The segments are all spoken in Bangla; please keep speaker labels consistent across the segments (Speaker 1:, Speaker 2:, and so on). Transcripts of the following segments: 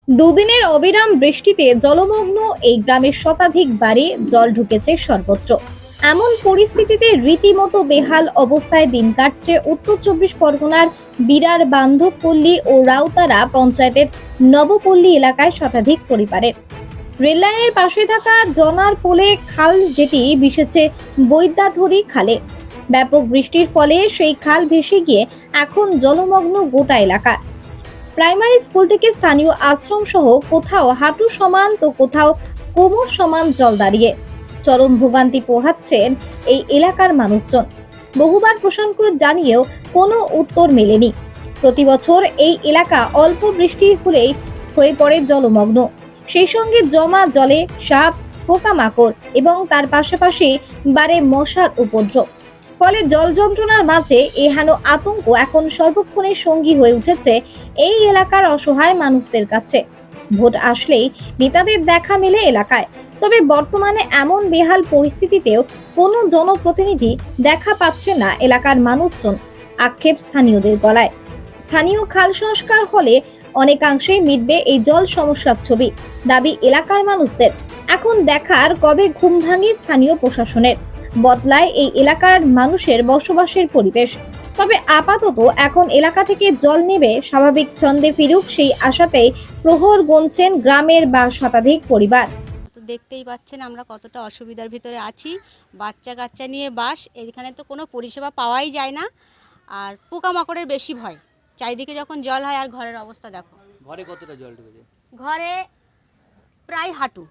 Speaker 1: দুদিনের অবিরাম বৃষ্টিতে জলমগ্ন এই গ্রামের শতাধিক বাড়ি জল ঢুকেছে সর্বত্র। এমন পরিস্থিতিতে রীতিমতো বেহাল অবস্থায় দিন কাটছে উত্তর চব্বিশ পরগনার বিরার বান্ধবপল্লী ও রাউতারা পঞ্চায়েতের নবপল্লী এলাকায় শতাধিক পরিবারের। রেললাইনের পাশে থাকা জনার পোলে খাল যেটি মিশেছে বৈদ্যাধরী খালে। ব্যাপক বৃষ্টির ফলে সেই খাল ভেসে গিয়ে এখন জলমগ্ন গোটা এলাকা। প্রাইমারি স্কুল থেকে স্থানীয় আশ্রম সহ কোথাও হাঁটু সমান তো কোথাও কোমর সমান জল দাঁড়িয়ে চরম ভোগান্তি পোহাচ্ছেন এই এলাকার মানুষজন। বহুবার প্রশাসন জানিয়েও কোনো উত্তর মেলেনি। প্রতি বছর এই এলাকা অল্প বৃষ্টি হলেই হয়ে পড়ে জলমগ্ন। সেই সঙ্গে জমা জলে সাপ, পোকামাকড় এবং তার পাশাপাশি বাড়ে মশার উপদ্রব। ফলে জল যন্ত্রণার মাঝে এহেন আতঙ্ক এখন সর্বক্ষণের সঙ্গী হয়ে উঠেছে এই এলাকার অসহায় মানুষদের কাছে। ভোট আসলেই নেতাদের দেখা মেলে এলাকায়, তবে বর্তমানে এমন বেহাল পরিস্থিতিতেও কোনো জনপ্রতিনিধি দেখা পাচ্ছে না এলাকার মানুষজন। আক্ষেপ স্থানীয়দের গলায়। স্থানীয় খাল সংস্কার হলে অনেকাংশেই মিটবে এই জল সমস্যার ছবি, দাবি এলাকার মানুষদের। এখন দেখার কবে ঘুম ভাঙে স্থানীয় প্রশাসনের, বদলায় এই এলাকার মানুষের বসবাসের পরিবেশ। তবে আপাতত এখন এলাকা থেকে জল নেবে স্বাভাবিক ছন্দে ফিরুক সেই আশাতেই প্রহর গুনছেন গ্রামের বা শতাধিক পরিবার।
Speaker 2: তো দেখতেই পাচ্ছেন আমরা কতটা অসুবিধার ভিতরে আছি। বাচ্চা কাচ্চা নিয়ে বাস, এখানে তো কোনো পরিষেবা পাওয়াই যায় না। আর পোকামাকড়ের বেশি ভয়, চারিদিকে যখন জল হয়। আর ঘরের অবস্থা দেখো,
Speaker 3: ঘরে কতটা জল ঢুকেছে?
Speaker 2: ঘরে প্রায় হাঁটু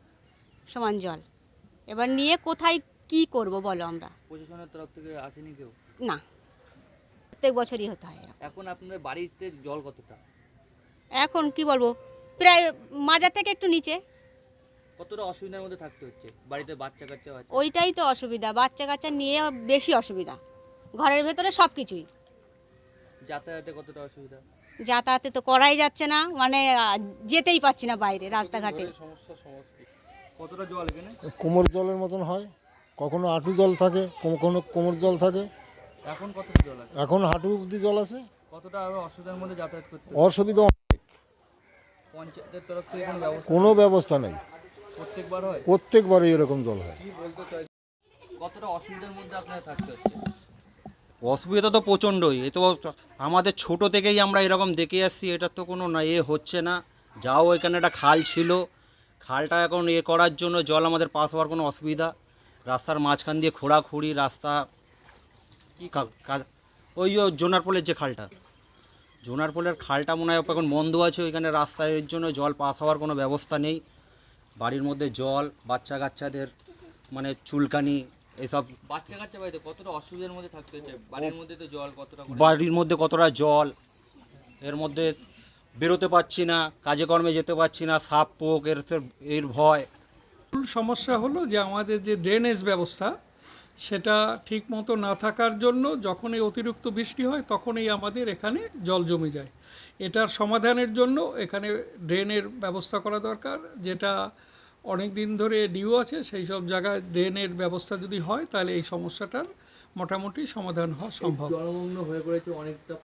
Speaker 2: সমান জল। এবার নিয়ে কোথায় কি করব বলো আমরা?
Speaker 3: প্রশাসনের তরফ থেকে আসেনি কেউ?
Speaker 2: না, প্রত্যেক বছরই হতে হয় এরকম।
Speaker 3: এখন আপনাদের বাড়িতে জল কতটা?
Speaker 2: এখন কি বলবো, প্রায় মাজা থেকে একটু নিচে।
Speaker 3: কতটা অসুবিধার মধ্যে থাকতে হচ্ছে? বাড়িতে বাচ্চা কাচ্চা আছে?
Speaker 2: ওইটাই তো অসুবিধা, বাচ্চা কাচ্চা নিয়ে বেশি অসুবিধা। ঘরের ভেতরে সব কিছুই।
Speaker 3: যাতায়াতে কতটা অসুবিধা?
Speaker 2: যাতায়াতে তো করাই যাচ্ছে না, মানে যেতেই পাচ্ছি না বাইরে রাস্তাঘাটে।
Speaker 3: কতটা জল এখানে?
Speaker 4: কোমর জলের মতন হয়, কখনো হাঁটু জল থাকে, কখনো কোমর জল থাকে।
Speaker 3: এখন কতটা জল আছে?
Speaker 4: এখন হাঁটু অবধি জল আছে।
Speaker 3: কতটা আরো অসুবিধার মধ্যে যাতায়াত করতে হচ্ছে?
Speaker 4: অসুবিধা অনেক।
Speaker 3: পঞ্চায়েতের তরফ থেকে কোনো ব্যবস্থা?
Speaker 4: কোনো ব্যবস্থা নেই,
Speaker 3: প্রত্যেকবার হয়?
Speaker 4: প্রত্যেকবারই এরকম জল হয়।
Speaker 3: কি বলতে চাই, কতটা অসুবিধার মধ্যে আপনারা থাকতে হচ্ছে?
Speaker 5: অসুবিধা তো প্রচণ্ডই। এ তো আমাদের ছোট থেকেই আমরা এরকম দেখে আসছি, এটা তো কোনো না হচ্ছে না। যাও এখানে একটা খাল ছিল, খালটা এখন করার জন্য জল আমাদের পাস হওয়ার কোনো অসুবিধা। রাস্তার মাঝখান দিয়ে খোঁড়াখুড়ি রাস্তা।
Speaker 3: কি
Speaker 5: ওই জোনার পোলের যে খালটা, জোনার পোলের খালটা মনে হয় এখন বন্ধ আছে। ওইখানে রাস্তার জন্য জল পাস হওয়ার কোনো ব্যবস্থা নেই। বাড়ির মধ্যে জল, বাচ্চা কাচ্চাদের মানে চুলকানি এসব।
Speaker 3: বাচ্চা কাচ্চা বাড়িতে কতটা অসুবিধার মধ্যে থাকতে হচ্ছে? বাড়ির মধ্যে তো জল কতটা করে?
Speaker 5: বাড়ির মধ্যে কতটা জল, এর মধ্যে বেরোতে পারছি না, কাজে কর্মে যেতে পারছি না, সাপ পোক এর ভয়।
Speaker 6: মূল সমস্যা হলো যে আমাদের যে ড্রেনেজ ব্যবস্থা সেটা ঠিক মতো না থাকার জন্য যখনই অতিরিক্ত বৃষ্টি হয় তখনই আমাদের এখানে জল জমে যায়। এটার সমাধানের জন্য এখানে ড্রেনের ব্যবস্থা করা দরকার, যেটা অনেক দিন ধরে ডিউ আছে। সেই সব জায়গায় ড্রেনের ব্যবস্থা যদি হয় তাহলে এই সমস্যাটার মোটামুটি সমাধান হওয়া সম্ভব।
Speaker 3: জলমগ্ন হয়ে পড়েছে অনেকটা